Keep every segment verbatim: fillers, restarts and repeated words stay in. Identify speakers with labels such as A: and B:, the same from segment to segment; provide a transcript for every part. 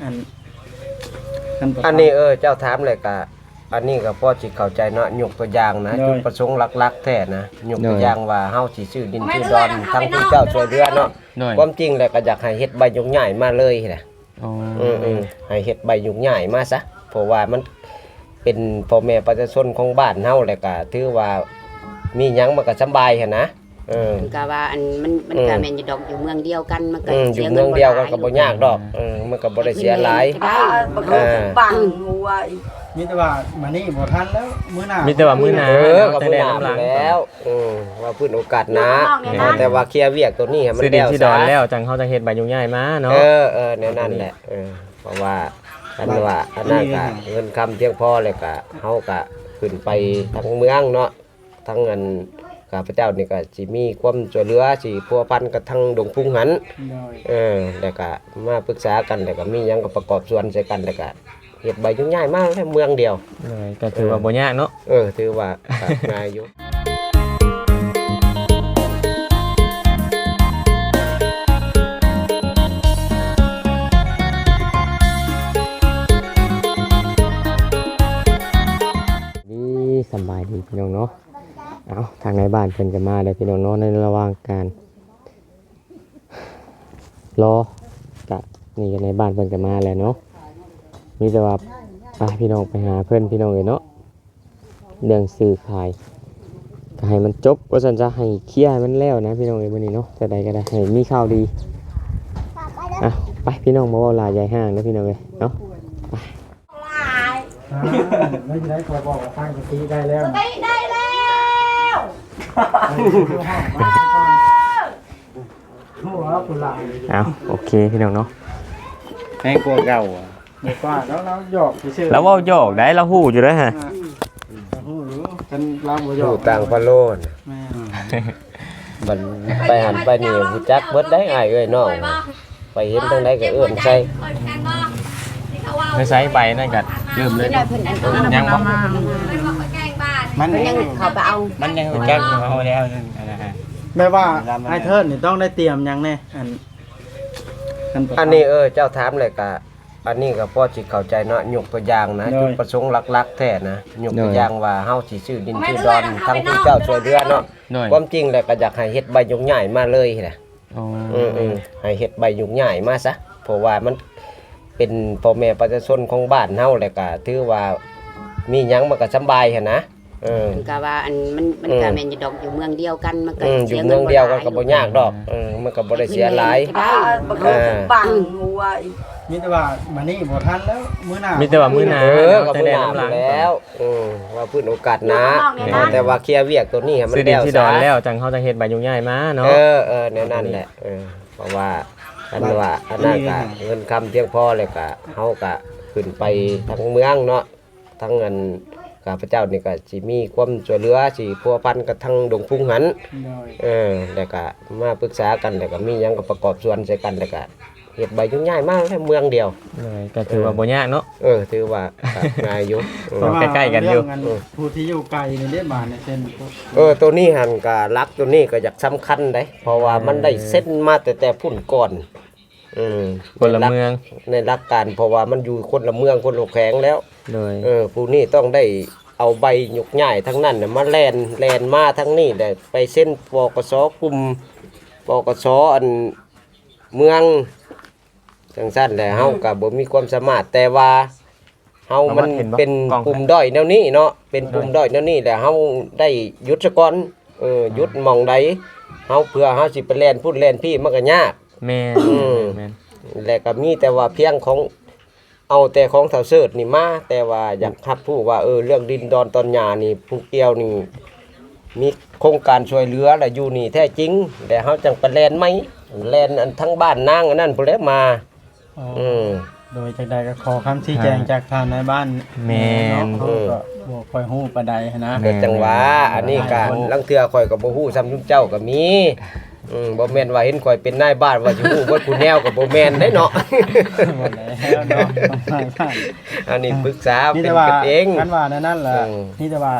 A: อัน
B: อันนี้เออเจ้าถามเลยกะอันนี้ก็พอสิเข้าใจเนาะยกตัวอย่างนะจุดประสงค์หลักๆแท้นะยกตัวอย่างว่าเฮาสิซื้อดินซื้อดอนทั้งผู้เจ้าช่วยเหลือเนาะความจริงแล้วก็อยากให้เฮ็ดใบยุกใหญ่มาเลยแหละอ๋ออือๆให้เฮ็ดใบยุกใหญ่มาซะเพราะว่ามันเป็นพ่อแม่ประชาชนของบ้านเฮาแล้วก็ถือว่ามีหยังมันก็สบายหั่นนะเออ
C: ก็ว่าอันมันมันก็แม่นอยู่ดอกอยู่เมืองเดียวกันมันก็
B: เสียเงินบ่หลายอยู่เมืองเดียวกันก็บ่ยากดอกเออมันก็บ่ได้เสียหลาย
D: อ่าบ่คือปังหัว
A: มีแต่ว่ามานี่บ่ทันแล้วมื้อหน้า
E: มีแต่ว่ามื้อหน้า
B: เออก็มื้อหน้าแล้วอือว่าพื้นโอกาสนะแต่ว่าเคลียร์เวียกตัวนี้ให้มันแล้ว
E: สิดอนแล้วจังเฮาจะเฮ็ดใบยุ่งยากมาเนาะ
B: เออเออแนวนั้นแหละเออเพราะว่าอันว่าอันนั้นก็เงินคำเพียงพอเลยก็เฮาก็ขึ้นไปทั้งเมืองเนาะทั้งเงินข้าพเจ้านี่ก็สิมีความช่วยเหลือสิพัวพันกับทั้งดงพุ่งหันเออแล้วก็มาปรึกษากันแล้วก็มีหยังก็ประกอบส่วนใส่กันแล้วก็เฮ็ดใบยุ่งยากมากแค่เมืองเดียว
E: เลยก็ถือว่าบ่ยากเนาะ
B: เออถือว่าง่ายอยู่
E: สบายดีพี่น้องเนาะเอาทางในบ้านเพิ่นก็มาเลยพี่น้องเนาะในระหว่างการรอกะนี่ในบ้านเพิ่นก็มาแล้วเนาะมีแต่ว่าไปพี่น้องไปหาเพิ่นพี่น้องเลยเนาะเรื่องซื้อขายก็ให้มันจบว่าซั่นจะให้เคลียร์มันแล้วนะพี่น้องเอ้ยมื้อนี้เนาะจะได้ก็ได้ให้มีข่าวดีอ่ะไปพี่น้องบ่เว้าหลายใหญ่ห้างนะพี่น้องเอ้ยเนาะไป
A: ไม่ได้ขอบอกว่าตั้งสติได้แล้ว
D: ได้ได้แล้ว
A: หัวผู้หลาย
E: เอาโอเคพี่น้องเนาะ
A: ให้กลัวเก่าอ่ะไม่กว่าแล้วเราหยอกซื่อ
E: แล้วเว้าหยอกได้เราฮู้อยู่เด้อฮะ
A: ฮู้รู้กันเราบ่หยอก
B: ต่างพะโลนแม่มันไปหันไปนี่ฮู้จักเบิดได้อ้ายเอ้ยน้องไปเห็นทางใดก็เอื้อนใส่
E: ไม่ใช้ใบนั่นก็เริ่มเลยยังบ่
A: มัน
C: ยังเขาไปเอา
E: มันยังฮู้จักเฮาแล้วนั่นนะฮะ
A: แม่ว่าไอ้เทิดนี่ต้องได้เตรียมหยังแน่อัน
B: อันนี้เออเจ้าถามเลยกะอันนี้ก็พอสิเข้าใจเนาะยกตัวอย่างนะจุดประสงค์หลักๆแท้นะยกตัวอย่างว่าเฮาสิซื้อดินซื้อดอนทั้งผู้เจ้าช่วยเหลือเนาะความจริงแล้วก็อยากให้เฮ็ดใบยุกใหญ่มาเลยแหละอ๋ออือๆให้เฮ็ดใบยุกใหญ่มาซะเพราะว่ามันเป็นพ่อแม่ประชาชนของบ้านเฮาแล้วก็ถือว่ามีหยังมันก็สบายหั่นนะเออ
C: ก็ว่าอันมันมันก็แม่นอยู่ดอกอยู่เมืองเดียวกันมันก็
B: เสียเงินบ่หลายอยู่เมืองเดียวกันก็บ่ยากดอกเออมันก็บ่ได้เสียหลาย
D: อ่าบ่คือปังหัว
A: มีแต่ว่ามานี่บ่ทันแล้วมื้อหน้า
E: มีแต่ว่ามื้อหน้า
B: เออก็มื้อหน้าแล้วอือว่าพื้นโอกาสนะแต่ว่าเคลียร์เวียกตัวนี้ให้มันแล้ว
E: ซะสิดอนแล้วจังเฮาจะเฮ็ดใบยุ่งยากมาเนาะ
B: เออเออแนวนั้นแหละเออเพราะว่าอันว่าอันนั้นก็เงินคำเพียงพอเลยก็เฮาก็ขึ้นไปทั้งเมืองเนาะทั้งเงินข้าพเจ้านี่ก็สิมีความช่วยเหลือสิพัวพันกับทั้งดงพุ่งหันเออแล้วก็มาปรึกษากันแล้วก็มีหยังก็ประกอบส่วนใส่กันแล้วก็เฮ็ดใบยุ่งยากมากแค่เมืองเดียว
E: เลยก็ถือว่าบ่ยากเนาะ
B: เออถือว่าง่ายอยู่
E: ใกล้ๆกันอยู่
A: ผู้ที่อยู่ไกลนี่ได้บ้านในเส้น
B: เออตัวนี้หันก็รักตัวนี้ก็อยากสำคัญเด้เพราะว่ามันได้เส้นมาแต่แต่พุ่นก่อนอืม
E: คนละเมือง
B: ในหลักการเพราะว่ามันอยู่คนละเมืองคนละแขวงแล้ว
E: เลย
B: เออผู้นี้ต้องได้เอาใบหยกใหญ่ทั้งนั้นน่ะมาแลนแลนมาทั้งนี้ได้ไปเส้นปกสกลุ่มปกสอันเมืองจังซั่นแหละเฮาก็บ่มีความสามารถแต่ว่าเฮามันเป็นปุ่มด้อยแนวนี้เนาะเป็นปุ่มด้อยแนวนี้แหละเฮาได้หยุดซะก่อนเออหยุดหม่องใดเฮาเพื่อเฮาสิไปแล่นพุ่นแล่นพี่มันก็ยาก
E: แม่น
B: แม่นแล้วก็มีแต่ว่าเพียงของเอาแต่ของเฒ่าเสิร์ชนี่มาแต่ว่าอยากรับผู้ว่าเออเรื่องดินดอนตอนหญ้านี่ผู้เกี่ยวนี่มีโครงการช่วยเหลือแล้วอยู่นี่แท้จริงแต่เฮาจังไปแล่นมั้ยแล่นอันทั้งบ้านนางอันนั้นพุ่นแหละมาอือ
A: โดยจังใดก็ขอคำชี้แจงจากทางในบ้าน
E: แม่น
A: ก็บ่ค่อยฮู้ปานใดนะ
B: เกิดจังหวะอันนี้ก็ลังเทื่อข่อยก็บ่ฮู้ซ้ำซุเจ้าก็มีอืมบ่แม่นว่าเห็นข่อยเป็นนายบ้านว่าสิฮู้เบิดผู้แนวก็บ่แม่นได้เนาะ
A: บ่แล้วเนาะ
B: อันนี้ปรึกษาเป็นกันเอง
A: กันว่านั่นแหละนี่แต่ว่า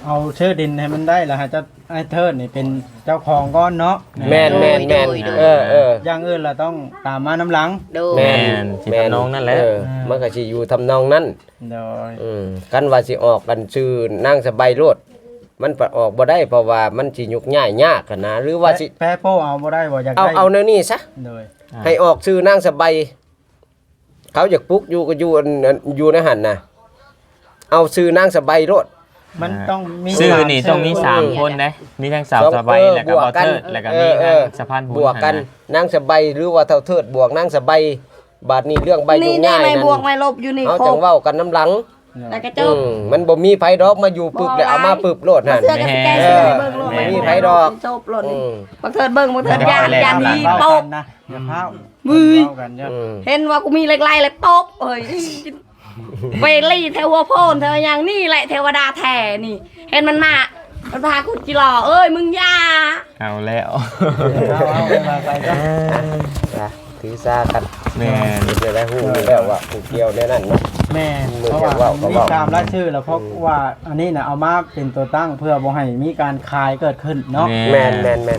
A: เอาชื่อดินให้มันได้แล้วฮะจะไอ้เทิดนี่เป็นเจ้าของก้อนเนาะ
B: แม่นแม่นแม่นเออเออ
A: อย่างอื่นเราต้องตามมาน้ำหลัง
C: โดย
B: แม่น
E: สิทำนองนั่นแหละ
B: เออมันก็สิอยู่ทำนองนั้น
A: โดย
B: อืมกันว่าสิออกกันชื่อนางสบายโลดมันปะออกบ่ได้เพราะว่ามันสิยุกง่ายยากกันนะหรือว่าสิ
A: แพ้โป้เอาบ่ได้บ่อยาก
B: เอา
A: ได้
B: เอาแนวนี้ซะ
A: โดย
B: ให้ออกชื่อนางสบายเขาอยากปลุกอยู่ก็อยู่อันอันอยู่ในหันน่ะเอาชื่อนางสบายโลด
A: มันต้องมี
E: ชื่อนี่
A: สาม
E: ต้องมี
A: ชื่
E: สามคนนะมีทั้งสาวสบายแล้วก็บอเทิดแล้วก็มี
B: เอ
E: ทั้ง
B: อ
E: สะพานบุญ
B: บวกกันนางสบายหรือว่าเท่าเทิดบวกนางสบายบาดนี้เรื่องใบยุ่
D: นี่
B: ง
D: นี่
B: ง่าย
D: ไม่
B: นั่น
D: บวกไม่ลบอยู่นี่
B: เอา
D: คร
B: จัง
D: บ
B: เว้ากันน้ำหลัง
D: แล้วก็จ
B: อื
D: บ
B: มมันบ่มีไผดอกมาอยู่ปึบแล้วเอามาปึบโลด
D: มา
B: หั่น
D: เสื้อกับสแกนเสื้อให้เบิ่งโลด
B: ไม่มีไผดอก
D: จบโลด
B: อื
D: นี่
B: ม
D: บักเทิดเบิ่งบักเทิดยางยางนี้
A: เว้า
D: ต
A: กับ นนะอย่าพาว
D: มือ
A: เว้ากันจ้ะ
B: อืม
D: เห็นว่ากูมีเล็กไล่เลยตบเอ้ยเวลี่เทวโพนเธออย่างนี่แหละเทวดาแท้นี่ เห็นมันมามันพากูจิหล่อเอ้ยมึงอยา
E: เอาแล้ว
A: เอาเอาไปมาไปจ้ะ
B: นะถือซากัน
E: แม่น
B: จะได้ฮู้อยู่แล้วว่าผู้เกี่ยวในนั้นเนาะ
A: แม่
B: มือ
A: เพราะ
B: เดียว
A: ว่า
B: เว้าก็
A: มี
B: เว้า
A: ตามรายชื่อแล้วเพราะว่าอันนี้น่ะเอามาเป็นตัวตั้งเพื่อบ่ให้มีการคายเกิดขึ้นเนาะ
B: แม่นแม่นแม่น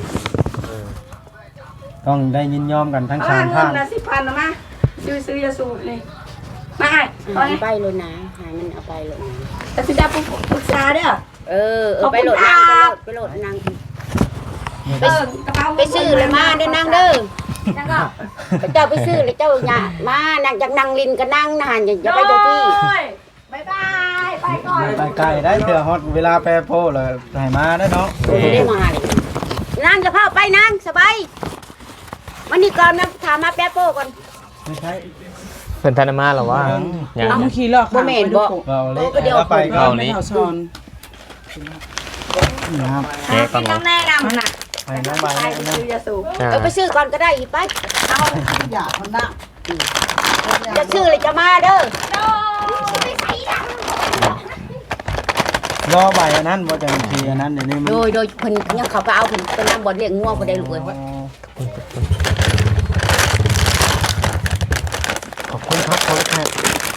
A: ต้องได้ยินยอมกันทั้ง
D: เอา
A: สาม
D: เงิ
A: ท่าน น
D: นะสิพันนะมาซื้อซื้อยาสูบนี่มาให้เอา
C: หา
D: ให้
C: ไปเลยนะหามันเอาไปเลยนะ
D: แต่สิได้ปรึกษาเด้อ
C: เออเออไปโหลดนางไปโหลดไปโหลดนาง
D: เออกระเป๋า
C: ไปซื้อเลยมาเด้อนางเด้อ
D: นั่งก็
C: เจ้าไปซื้อเลยเจ้าอย่ามานางจากนางลินก็นั่งนานอย่าอย่าไปเจ้าที่
D: โอ้ยบ๊ายบายไปก่อน
A: ไปไกลได้เถื่อฮอดเวลาแปรโพเลยให้มาได้เนาะ
C: ไม่ได้มาเลยนางจะพาไปนางสบายวันนี้ก่อนนะถามมาแป๊บโป้ก่อน
A: ไม่ใช่
E: เพิ่นธนมาหรอวะยัง
C: เอา
F: ขี่ลอก
C: บ่แม่นบ่
A: เราเล็ก
C: โอ้ก็เดี๋ยว
A: แล้วไปก็
E: เอา
F: ไม่
E: นี้
F: เท่าซอน
A: นะครับ
E: แกะก่อน
D: ต้
E: เนาะ
D: องแนะนำนะ
A: ไปน้องใบ
D: ไป
A: นะ
D: ซื้อยาสูบ
E: อ่า
C: เออไปซื้อก่อนก็ได้อีกไป
D: เอา
F: อยากมันนะ
C: จะซื้อเลยจะมาเด้อ
A: รอใบอันนั้นว่าจะมีอันนั้นเดี๋ยวนี้มัน
C: โดยโดยเพิ่นยังเขาก็เอาเพิ่นเป็นน้ำบ่อนเลี้ยงงัวบ่ได้ลูกเอ้ย
A: ขอบคุณครับขอบคุณครับ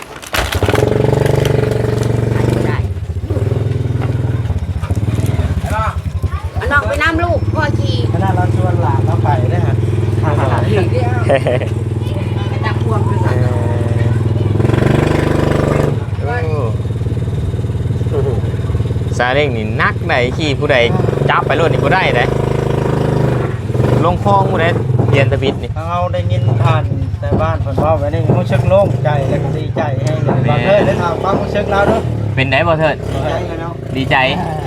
C: ได้เอาน้องไปน้ำลูกพ่อขี่
A: ขณะเราชวนหลานเราไปได้ฮะ
C: ไปตามพวงไปสั่ง
E: ซาเล้งนี่นักไหนขี่ผู้ใดจับไปรถนี่บ่ได้เด้ลงคลองผู้ใดเรียนตะบิดนี่
A: เราได้ยินผ่านแต่บ้านเพิ่นว่าไว้นี่รู้สึกโล่งใจและก็ดีใจให้เลยบางเด้อได้ถามความรู้สึกเราเด้อ
E: เป็นไดบ่เถิด
A: ดีใจเนาะ
E: ดีใจ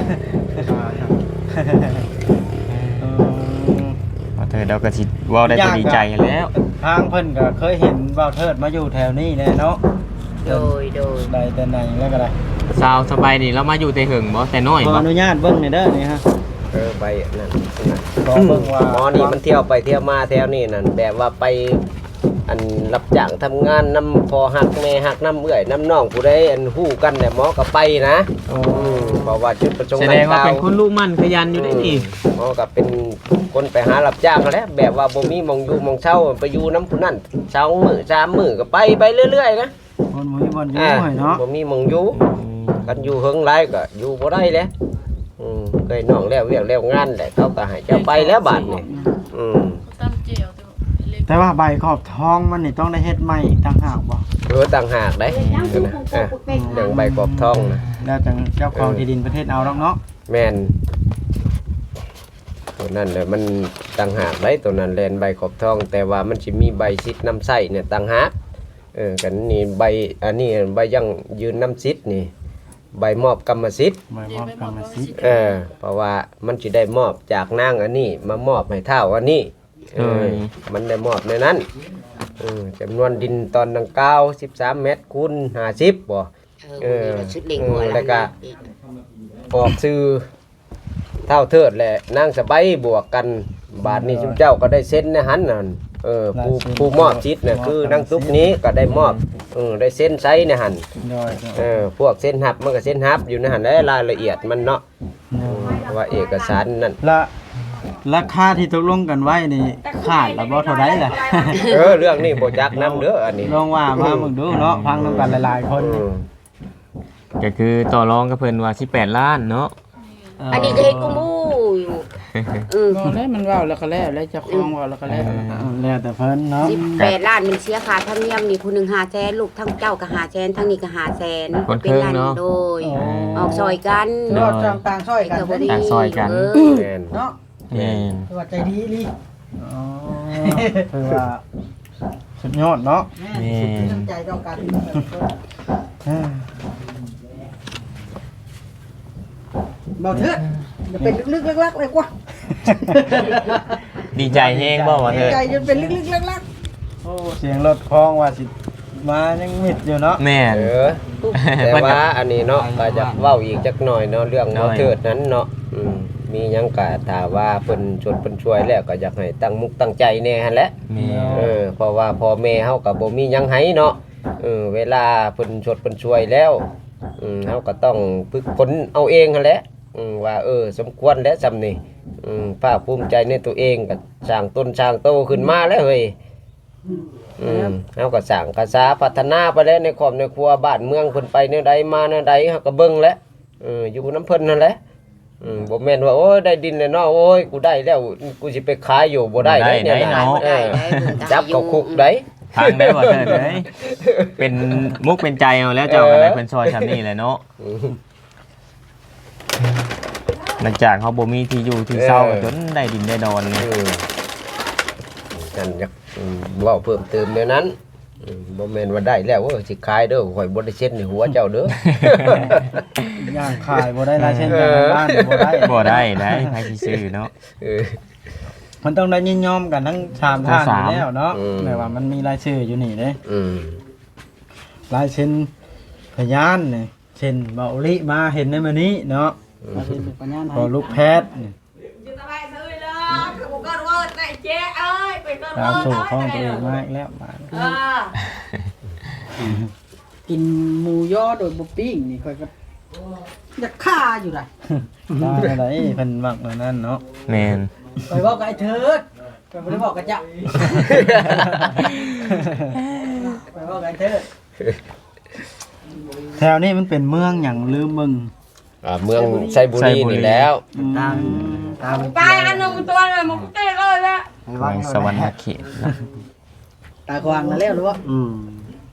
A: เออ
E: บ่เถิดเราก็สิเว้าได้แต่ดีใจแล้ว
A: ทางเพิ่นก็เคยเห็นบ่าวเทิดมาอยู่แถวนี้แน่เนาะ
C: โดยโดย
A: ได้แต่ไหนแล้วก็ได้
E: สาวสบายนี่เรามาอยู่แต่หึงบ่แต่น้อย
A: ขอ
E: บ่
A: อนุญาตเบิ่งหน่อยเด้อนี่ฮะ
B: เออไปนั่น
A: ขอเบิ่งว่า
B: หมอนี่มันเที่ยวไปเที่ยวมาแถวนี้นั่นแบบว่าไปอันรับจ้างทำงานนำพอหักแม่หักน้ำเอื้อยน้ำน้องผู้ใดอันฮู้กันแต่หมอก็ไปนะ
A: โอ้
B: อืมเพราะว่าจุดประสงค์
E: แสดงว่าเป็นคนลูกมั่นขยันอยู่ได้นี่
B: หมอก็เป็นคนไปหารับจ้างนั่นแหล้วแบบว่าบ่มีหมองอยู่หมองเช่าไปอยู่น้ำผู้นั้นเช้ามื้อสามมื้อก็ไปไปเรื่อยๆนะ
A: คนบ่มีบ่อนอยู่
B: อ่า
A: ให้เนาะ
B: บ่มีหมองอยู่กันอยู่เฮิงหลายก็อยู่บ่ได้แหล้วอืมเคยน้องแล้วเวียกแล้วงานแหละเขาก็ให้เจ้าไปแล้วบาดนี้อืม
A: แต่ว่าใบขอบทองมันนี่ต้องได้เฮ็ดใหม่อีกต่างหากบ่
B: เออต่างหากได้นะอ่ะเรื่องใบกรอบทองนะ
A: แล้วจังเจ้าของที่ดินประเทศเอาดอกเนาะ
B: แม่นตัวนั้นเลยมันต่างหากได้ตัวนั้นแลนใบขอบทอง แต่ว่ามันสิมีใบซิดน้ำไส้เนี่ยต่างหากเออกันนี่ใบอันนี้ใบยังยืนน้ำซิดนี่ ใบมอบกรรมสิทธิ์
A: ใบมอบกรรมสิทธิ์
B: เออเพราะว่ามันจะได้มอบจากนางอันนี้มามอบให้เท่าอันนี้เออมันได้มอบในนั้นเออจำนวนดินตอนดังกล่าวสิบสามเมตรคูณห้าสิบบ่
C: เออชุดเลี้ยงงัว
B: แล้วก็ ออกซื้อเท่าเทิดแหละนางสบายบวกกันบาทนี้ชุมเจ้าก็ได้เซ็นในหันนั่นเออผู้ผู้มอบชิดน่ะคือนางตุ๊กนี้ก็ได้มอบเออได้เซ็นไซในหัน
A: โดย
B: เออพวกเส้นหับมันก็เส้นหับอยู่ในหันและรายละเอียดมันเนาะว่าเอกสารนั่น
A: ละราคาที่ตกลงกันไว้นี่ขาดแล้วบ่เท่าใดล่ะ
B: เออเรื่องนี้บ่จักนำเด้ออันนี้
A: ลองว่ามามึงดูเนาะฟังนำกันหลายๆคน
B: อืม
E: ก็คือต่อรองกับเพิ่นว่าสิบแปดล้านเนาะ
C: อันนี้ก็เฮ็ดกูมูอยู่เออ
F: บอกแล้วมันเว้าแล้วก็แล้วแล้วเจ้าของเว้าแล้วก็แล้ว
A: แล้วแต่เพิ่นเนาะ
C: สิบแปดล้านมันเสียค่าธรรมเนียมนี่ผู้หนึงห้าแสนลูกทั้งเจ้าก็ห้าแสนทั้งนี้ก็ห้าแสน
E: คนค
C: เป็น
E: รึ่ง
C: ล้าน
E: เนาะ
C: โดยออกซอยกัน
F: รอดจางต่างซอยกัน
C: ก็บ่ดี
E: ต่างซอยกัน
C: เออ
B: แม่น
F: เนาะ
E: แม่น
F: คือว่าใจดีอีหลี
A: อ๋อคือว่าสุดยอดเนาะ
F: แม่น้ำใจต้องกัน
A: อ่า
F: เบาเถิดอย่าเป็นลึกๆลักๆเลยกว่า
E: ดีใจแฮงบ่ว่าเถิด
F: ใจจนเป็นลึกๆลัก
A: โอ้เสียงรถคลองว่าสิมายังมิดอยู่เนาะ
E: แม่น
B: เออแต่ว่าอันนี้เนาะก็จะเว้าอีกจักหน่อยเนาะเรื่องบ่เถิดนั้นเนาะอืมมีหยังก็ถ้าว่าเพิ่นชวนเพิ่นช่วยแล้วก็อยากให้ตั้งมุกตั้งใจแน่หั่นแหละ
E: แม่น
B: เออเพราะว่าพ่อแม่เฮาก็บ่มีหยังให้เนาะเออเวลาเพิ่นชดเพิ่นช่วยแล้วอืมเฮาก็ต้องฝึกฝนเอาเองหั่นแหละอืมว่าเออสมควรแล้วซำนี่อืมภาคภูมิใจในตัวเองก็สร้างต้นสร้างโตขึ้นมาแล้วเฮ้ยอืมเฮาก็สร้างกษาพัฒนาไปแล้วในครอบในครัวบ้านเมืองเพิ่นไปแนวใดมาแนวใดเฮาก็เบิ่งแล้วเอออยู่นำเพิ่นนั่นแหละอืมบ่แม่นว่าโอ้ยได้ดินแล้วเนาะโอ้ยกูได้แล้วกูสิไปขายอยู่บ่ได้เด้เนี่ยนะเออจับเข้าคุกได้
E: ทางได้บ่เถิดเอ้ยเป็นมุกเป็นใจเอาแล้วเจ้าก็ได้เพิ่นซอยซำนี้แหละเนาะหลังจากเขาบ่มีที่อยู่ที่เช่าก็จนได้ดินได้ดอนเลย
B: อืมนั่นอยากอืมเว้าเพิ่มเติมเดี๋ยวนั้นอืมบ่แม่นว่าได้แล้วโอ้ยสิขายเด้อข่อยบ่ได้เช็ดในหัวเจ้าเด้อย่าง
A: ขายบ่ได้ลายเส้นจากบ้านบ่ได้
E: บ่ได้ได้ใครสิซื้อเนาะ
B: เออ
A: มันต้องได้ยินยอมกันทั้งสามท่านอยู่แล้วเนาะ
B: อืม
A: แต่ว่ามันมีรายชื่ออยู่นี่เด้
B: อืม
A: ลายเส้นพยานนี่เช่นเบาลิมาเห็นในมื้อนี้เนาะ
F: ๆมาเป็นปัญญา
A: พอลูกแพทย์นี่
D: อยู่สบายซื้อเลยคือกูก็รู้ว่าเจ๊เอ้ยไปก็
A: ตาม
D: รู้
A: สู่ข้องตัวเองมากแล้วมา
D: เออ
F: กินหมูย่อโดยบ่ปิ้งนี่ค่อยก็อยากฆ่าอยู่ล่ะ
A: ตาอะไรเพิ่นมักเหมือนนั้นเนาะ
E: แม่น
F: ไปบอกกับไอ้เถิดไปบ่ได้บอกกับเจ้าไปบอกกับไอ้เถิด
A: แถวนี้มันเป็นเมืองหยังลืมมึง
B: อ่าเมืองไซบุรีนี่แล้ว
A: ตามตาม
D: ตายอันนึงตัวเลยมึงเต้เลยละ
E: เมืองสวรรค์เขตเนาะ
F: ตาควางแล้วแล้วหรือว่า
A: อืม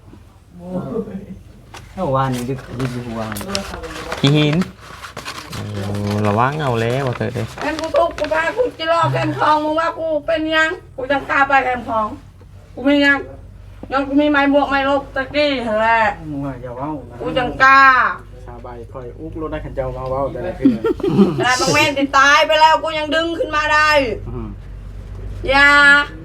A: เมื่อวานนี้ดึกดึกอยู่วาน
E: ขี้หินโอ้ระวังเอาแล้วว่าเถิดเด้
D: แอมกูทุกกูพากูจะรอแคมทองมึงว่ากูเป็นยังกูจังกล้าไปแคมทองกูมียังยังกูมีไม้บวกไม้ลบตะกี้หั่นแหละ
A: มึงว่าอย่าเว้านะ
D: กูจังกล้า
A: สาบายค่อยอุกรถได้ขันเจ้ามาเว้าแต่ละคืน
D: ขนาดบางแม่นติดตายไปแล้วกูยังดึงขึ้นมาได้
A: อืม
D: อย่า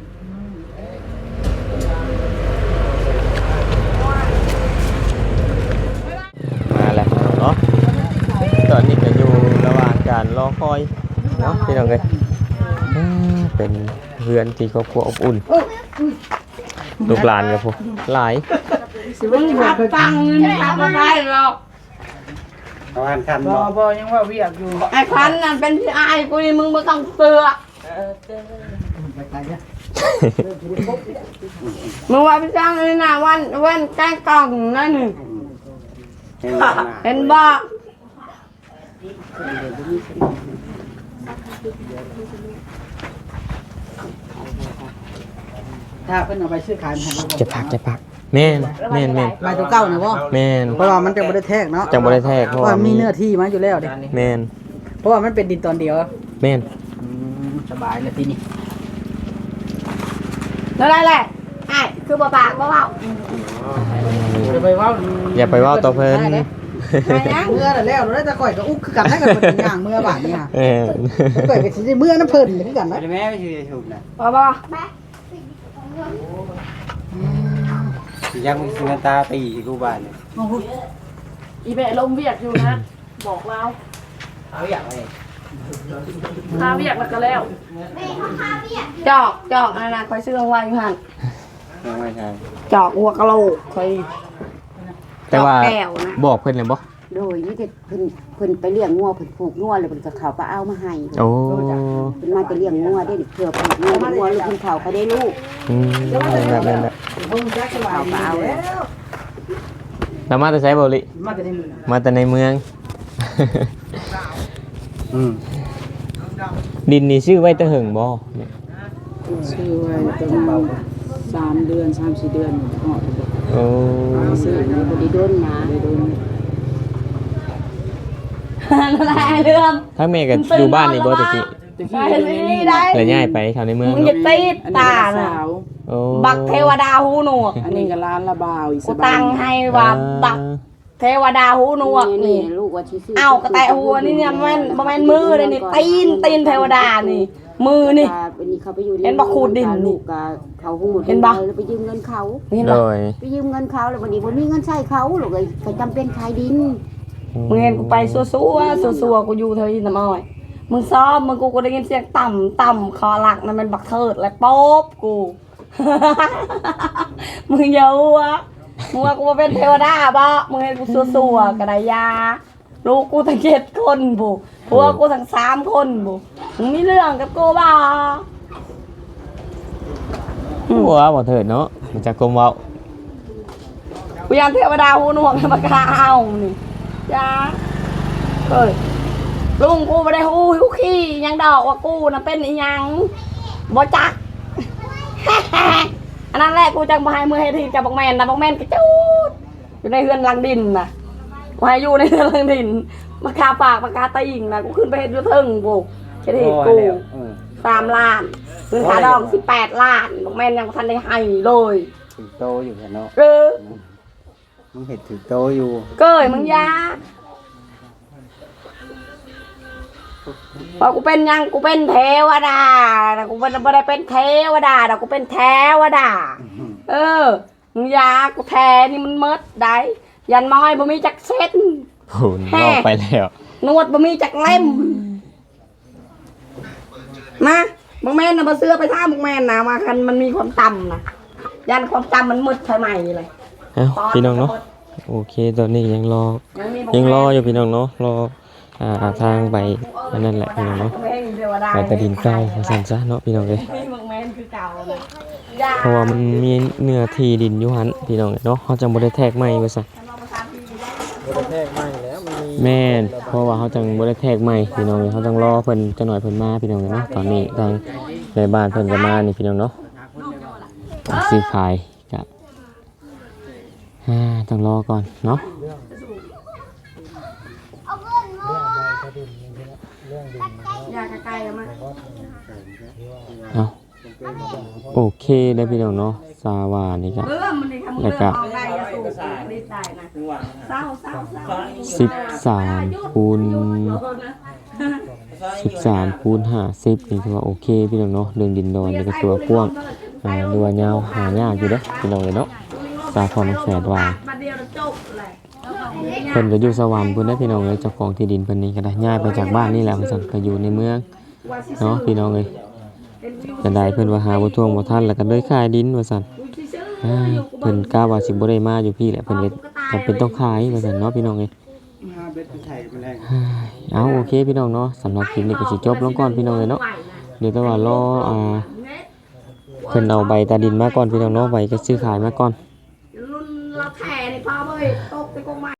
E: มาแล้วเนาะตอนนี้ก็อยู่ระหว่างการรอคอยเนาะพี่น้องเอ้ยอืมเป็นเพื่อนที่ครอบครัวอบอุ่นลูกหลานกับพวกหลาย
D: มึงขับฟังเงินขับมาได้หรอก
A: ประมาณคัน
F: บ่
A: เนาะ
F: บ่ยังว่าเวียกอยู่
D: ไอ้ควันนั่นเป็นพี่อายกูนี่มึงไม่ต้องเสือก
F: ไปไกลเนี่ย
D: มึงว่าพี่จ้างนี่นะวันเว้นแกล้งกล่องนั่นนี่เห็นบ่
F: ถ้าเพิ่นเอาไปซื้อขายมันให้บ่
E: จะพักจะพักแม่นแม่นแม่น
F: ใบตัวเก่าน่ะบ่
E: แม่น
F: เพราะว่ามันจะบ่ได้แทกเนาะ
E: จังบ่ได้แทก
F: เพ
E: เพ
F: ราะ
E: ราะ
F: ว่า
E: ว่า
F: มี
E: มี
F: เนื้อที่มาอยู่แล้วเด้
E: แม่น
F: เพราะว่ามันเป็นดินตอนเดียว
E: แม่น
F: อืมสบายแล้วทีนี้
D: แล้วได้แหละไอ้คือบ่ปากบ่เว้า
F: อย่าไปเว้า
E: อย่าไปเว้าต่อเพิ่น
D: ไปยัง
F: เมื่อแล้วแล้วแล้วจะก่อยก็อุกคือกันได้กันเป็นอย่างเมื่อบาดนี่ค่ะ
E: แม่น
F: ก่อยก็สิได้เมื่อน้ำเพิ่นคือกันนะ
A: แม่ไม่ชื่อถูกนะ
D: บ่บ่
A: ยังมีสิงตาตีกูบ้านเนี่ย
D: อีเบะลมเวียกอยู่นะ บอกเรา
F: เอาอย่างไร
D: ข้าเวียกแล้วก็แล้วจอกจอกอันนั้นคอยซื้อเอาไว้อยู่หั่น
A: ยังไม่ใช่
D: จอกหัวกะโหลกคอย
E: แต่ว่า
D: แก้วนะ
E: บอกเพิ่นเลยบ่
C: โดยนี่แต่เพิ่นเพิ่นไปเลี้ยงงัวเพิ่นผูกงัวแล้วเพิ่นก็เข้าไปเอามาให้
E: โอ้
C: เพิ่นมาจะเลี้ยงงัวได้เพื่อผูกงัวงัวลูกเพิ่นเข้าเขาได้ลูก
E: อืมนั่นแหละนั่นแหละ
F: เพิ่งจักสบายดีแล้ว
E: แล้วมาแต่ไสบ่ลิ
F: มาแต่ในมือ
E: มาแต่ในเมือง
A: อืม
E: ดินนี่ชื่อไว้แตะเหิงบ่เนี่ย
F: ซื้อไว้ประมาณสามเดือนสามสี่เดือนออก
E: โอ้
F: ซื้อนี่บ่ได้โดนหมาได้โดน
D: นั่นแหละเรื่อง
E: ทั้งแม่ก็อยู่บ้านนี่บ่ตะกี้
F: ตะ
D: ไป
F: กี้อยู่ใน
D: นี่
F: นี่
D: ได้
E: แล้วย้ายไปแถวในเมือง
D: มึงอย่า
E: เนาะ
D: ตีด
F: อันนี้
D: ตา
F: ก็
D: น่ะ
F: สาว
E: โอ้
D: บักเทวดาหูหนวก
F: อันนี้ก็ร้านละบาวอี
D: กูตั้งให้ว่าบักเทวดาหูหนวก
C: นี่
D: นี่
C: ลูกว่าสิซื้อ
D: เอากระแตะหัวนี่เนี่ยมันบ่แม่นมือเลยนี่ตีนตีนเทวดานี่ มือนี่
C: วันนี้เขาไปอยู่
D: เห็นบ่ขูดดินนี่
C: ลูกก็เขาหูด
D: เห็นบ่
C: แล้วไปยืมเงินเขา
D: เห็น
E: โด
D: บ่
E: ย
C: ไปยืมเงินเขาแล้ววันนี้บ่มีเงินใช้เขาลูกเอ้ยก็จำเป็นขายดิน
D: มึงเห็นกูไปซัวๆซัวๆกูอยู่เธอยินน้ำอ้อยมึงซ้อมมึงกูก็ได้ยินเสียงต่ำต่ำคอหลักนั่นมันบักเทิดและโป๊บกู มึงอย่าหัวมึงว่ากูมาเป็นเทวดาบ่มึงเห็นกูซัวๆกระไดยาลูกกูทั้งเจ็ดคนบุผัวกูทั้งสามคนบุมึงมีเรื่องกับกูบ่
E: หัวบ่เถิดเนาะมันจะกลมเว้า
D: กูยันเทวดาหูหนวกให้มากล้าเอานี่จ้าเอ้ยลุงกูไม่ได้หูหิวขี้ยังดอกว่ากูน่ะเป็นอีหยังบ่จัก อันนั้นแหละกูจังบ่ให้มือให้ทีกับบักแมนนะบักแมนกระจูดอยู่ในเฮือนหลังดินน่ะกูให้อยู่ในเฮือนหลังดินมาคาปากมาคาตีงน่ะกูขึ้นไปเฮ็ดอยู่เทิงกูเฮ็ดให้กูสามล้านคืนขาดองสิบแปดล้านบักแมนยังบ่ทันได้ให้เลย
A: ถึงโตอยู่กันเนาะ
D: เออ
A: มึงเห็นถึงโตอยู่
D: เกยมึงยาพอกูเป็นยังกูเป็นเทวดาแต่กูไม่ได้เป็นเทวดาแต่กูเป็นเทวดา เออมึงยากูแทนี่มันมดได้ยันม้อยบ่มีจักเส้น
E: โหนบอกไปแล้ว
D: นวดบ่มีจักเล่มมาบังแม่นนะมาเสื้อไปท่าบังแม่นนะมาคันมันมีความต่ำนะยันความต่ำมันมืดใหม่เลย
E: เอ้าพี่น้องเนาะโอเคตอนนี้ยังรอ
D: ยังมี
E: ยังรออยู่พี่น้องเนาะรออ่าทางไปอันนั้นแหละพี่น้องเนาะไปตะดินเก้ามาสั่นซะเนาะพี่น้องเลย
D: บังแม่นคือเก่าเลย
E: เพราะว่ามันมีเนื้อที่ดินอยู่หันพี่น้องเนาะเขาจังบ่ได้แทกไม้ว่าซั่น
A: บ่ได้แทกไม่แล้วมันมี
E: แม่นเพราะว่าเขาจังบ่ได้แทกไม้พี่น้องเลยเขาจังรอเพิ่นจังหน่อยเพิ่นมาพี่น้องเลยเนาะตอนนี้ทางในบ้านเพิ่นก็มานี่พี่น้องเนาะซื้อขายก็อ่าต้องรอก่อนเนาะ
D: อยากไกลๆมา
E: เอาโอเคได้พี่น้องเนาะสาวานี่ก็
D: เริ่มมันดีทำเรื่องออนไลน์จะสูงดีใจนะเศร้าเศร้าเศร้า
E: สิบสามคูณสิบสามคูณห้าสิบนี่ถือว่าโอเคพี่น้องเนาะเรื่องดินดอนนี่ก็ตัวกว้างอ่าดูว่ายาวหายากอยู่เด้อพี่น้องเลยเนาะสาพรแฝดว่า
D: มาเดียวจบเลย
E: เพิ่นก็อยู่สวรรค์เพิ่นได้พี่น้องเลยเจ้าของที่ดินเพิ่นนี่ก็ได้ย้ายไปจากบ้านนี่แหละเพิ่นสั่นก็อยู่ในเมืองเนาะพี่น้องเอ้ยจะได้เพิ่นว่าหาบ่ท่วงบ่ทันแล้วก็เลยขายดินว่าซั่นอ่าเพิ่นกล้าว่าสิบ่ได้มาอยู่พี่แหละเพิ่นเลยจำเป็นต้องขายว่าซั่นเนาะพี่น้องเอ้ย
A: มาเบ็ดไปไทยมาแรง
E: เอาโอเคพี่น้องเนาะสำหรับคลิปนี้ก็สิจบลงก่อนพี่น้องเลยเนาะเดี๋ยวแต่ว่ารออ่าเพิ่นเอาใบตาดินมาก่อนพี่น้องเนาะใบก็ซื้อขายมาก่อน
D: รุ่นเราแถ่ในพ่อเว้ยต้ม